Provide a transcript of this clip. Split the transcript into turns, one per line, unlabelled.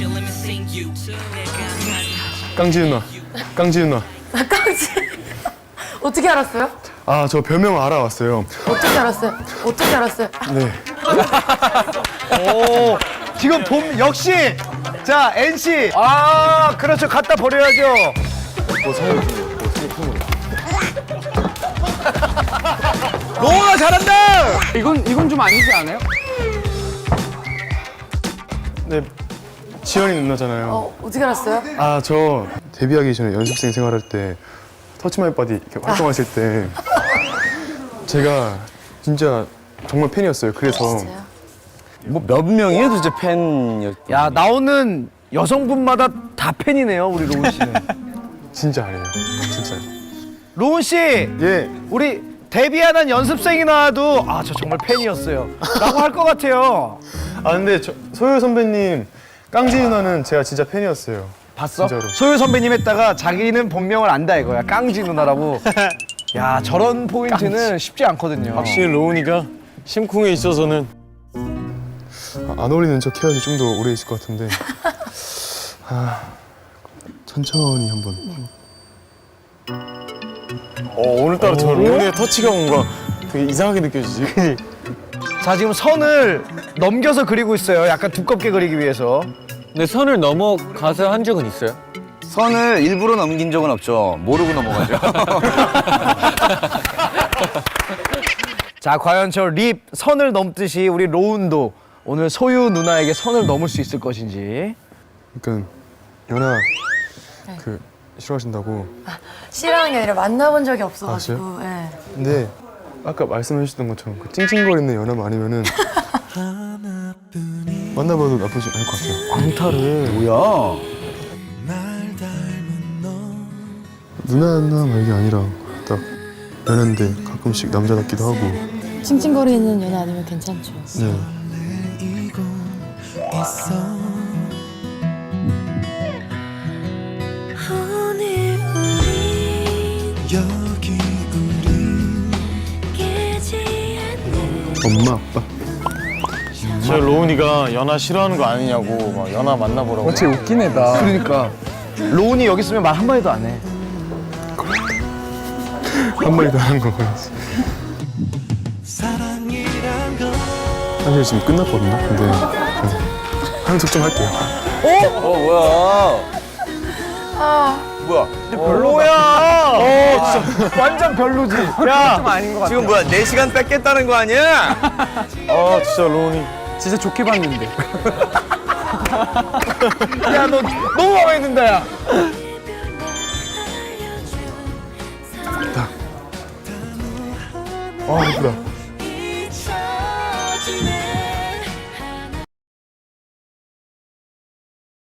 깡지 누나. 깡지 누나.
깡지. 어떻게 알았어요?
아, 저 별명 알아왔어요.
어떻게 알았어요? 어떻게 알았어요?
네.
오, 지금 봄 역시 자 NC 아 그렇죠 갖다 버려야죠. 로우가 잘한다.
이건 좀 아니지 않아요?
네. 지연이 누나잖아요.
어떻게 알았어요?
아, 저 데뷔하기 전에 연습생 생활할 때 터치 마이 바디 이렇게 활동하실 때 제가 진짜 정말 팬이었어요. 그래서
진짜요?
뭐 몇 명이에요 도대체 팬?
야 나오는 여성분마다 다 팬이네요 우리 로운 씨는.
진짜 아니에요. 진짜.
로운 씨,
예.
우리 데뷔하는 연습생이 나와도 아 저 정말 팬이었어요. 라고 할 것 같아요.
아, 근데 소유 선배님 깡지 누나는 제가 진짜 팬이었어요.
봤어?
진짜로.
소유 선배님 했다가 자기는 본명을 안다 이거야. 깡지 누나라고. 야 저런 포인트는 쉽지 않거든요.
확실히 로운이가 심쿵에 있어서는
안 어울리는 척 해야지 좀 더 오래 있을 것 같은데. 아, 천천히 한번.
오늘따라 저 로운의 터치가 뭔가 되게 이상하게 느껴지지.
자 지금 선을 넘겨서 그리고 있어요. 약간 두껍게 그리기 위해서.
근데 선을 넘어가서 한 적은 있어요?
선을 일부러 넘긴 적은 없죠. 모르고 넘어가죠.
자 과연 저 립 선을 넘듯이 우리 로운도 오늘 소유 누나에게 선을 넘을 수 있을 것인지.
그러니까 연아 그 싫어하신다고.
싫어하는 게 아니라 만나본 적이 없어가지고.
아,
예.
근데 아까 말씀해 주셨던 것처럼 그 찡찡거리는 연하만 아니면은 만나봐도 나쁘지 않을 것 같아요.
광탈을.
뭐야?
누나 말이 아니라 딱 연한데 가끔씩 남자답기도 하고.
찡찡거리는 연애 아니면 괜찮죠.
네. 엄마 아빠.
저 로운이가 연하 싫어하는 거 아니냐고 막 연하 만나보라고.
어째 웃긴 애다.
그러니까 로운이 여기 있으면 말 한마디도 안 해.
한 마리도 하는 거 같았어. 사실 지금 끝났거든요. 근데 한 속좀 할게요.
뭐야? 뭐야?
별로야. 진짜 완전 별로지. 야
좀 아닌 것 같아.
지금 뭐야? 4시간 뺏겠다는 거 아니야?
아 진짜 로운이.
진짜 좋게 봤는데.
야, 너 너무 마음에 든다, 야.
아, 예쁘다.